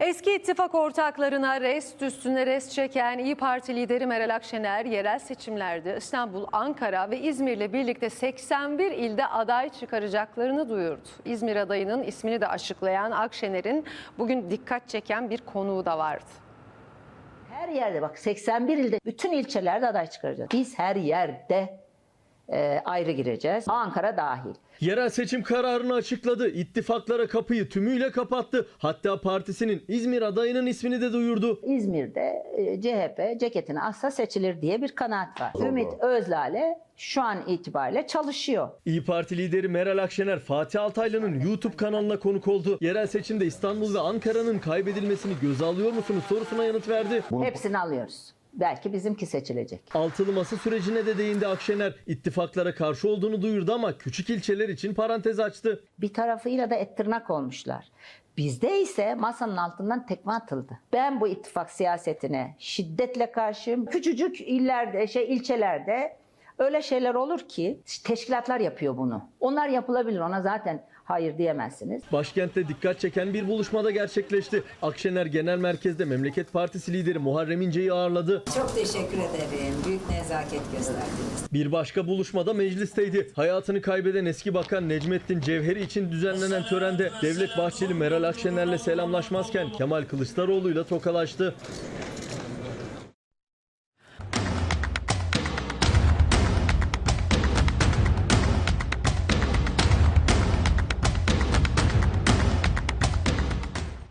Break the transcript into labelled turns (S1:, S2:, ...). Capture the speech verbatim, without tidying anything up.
S1: Eski ittifak ortaklarına rest üstüne rest çeken İYİ Parti lideri Meral Akşener yerel seçimlerde İstanbul, Ankara ve İzmir'le birlikte seksen bir ilde aday çıkaracaklarını duyurdu. İzmir adayının ismini de açıklayan Akşener'in bugün dikkat çeken bir konuğu da vardı.
S2: Her yerde bak seksen bir ilde bütün ilçelerde aday çıkaracağız. Biz her yerde e, ayrı gireceğiz. Ankara dahil.
S3: Yerel seçim kararını açıkladı. İttifaklara kapıyı tümüyle kapattı. Hatta partisinin İzmir adayının ismini de duyurdu.
S2: İzmir'de e, C H P ceketini assa seçilir diye bir kanaat var. Doğru. Ümit Özlale şu an itibariyle çalışıyor.
S3: İYİ Parti lideri Meral Akşener, Fatih Altaylı'nın YouTube kanalına konuk oldu. Yerel seçimde İstanbul ve Ankara'nın kaybedilmesini göze alıyor musunuz sorusuna yanıt verdi.
S2: Hepsini alıyoruz. Belki bizimki seçilecek.
S3: Altılı masa sürecine de değindi Akşener. İttifaklara karşı olduğunu duyurdu ama küçük ilçeler için parantez açtı.
S2: Bir tarafıyla da et tırnak olmuşlar. Bizde ise masanın altından tekme atıldı. Ben bu ittifak siyasetine şiddetle karşıyım. Küçücük illerde, şey ilçelerde öyle şeyler olur ki teşkilatlar yapıyor bunu. Onlar yapılabilir. Ona zaten hayır diyemezsiniz.
S3: Başkentte dikkat çeken bir buluşmada gerçekleşti. Akşener Genel Merkez'de Memleket Partisi lideri Muharrem İnce'yi ağırladı.
S4: Çok teşekkür ederim. Büyük nezaket gösterdiniz.
S3: Bir başka buluşmada meclisteydi. Hayatını kaybeden eski bakan Necmettin Cevheri için düzenlenen törende Devlet Bahçeli Meral Akşener'le selamlaşmazken Kemal Kılıçdaroğlu'yla tokalaştı.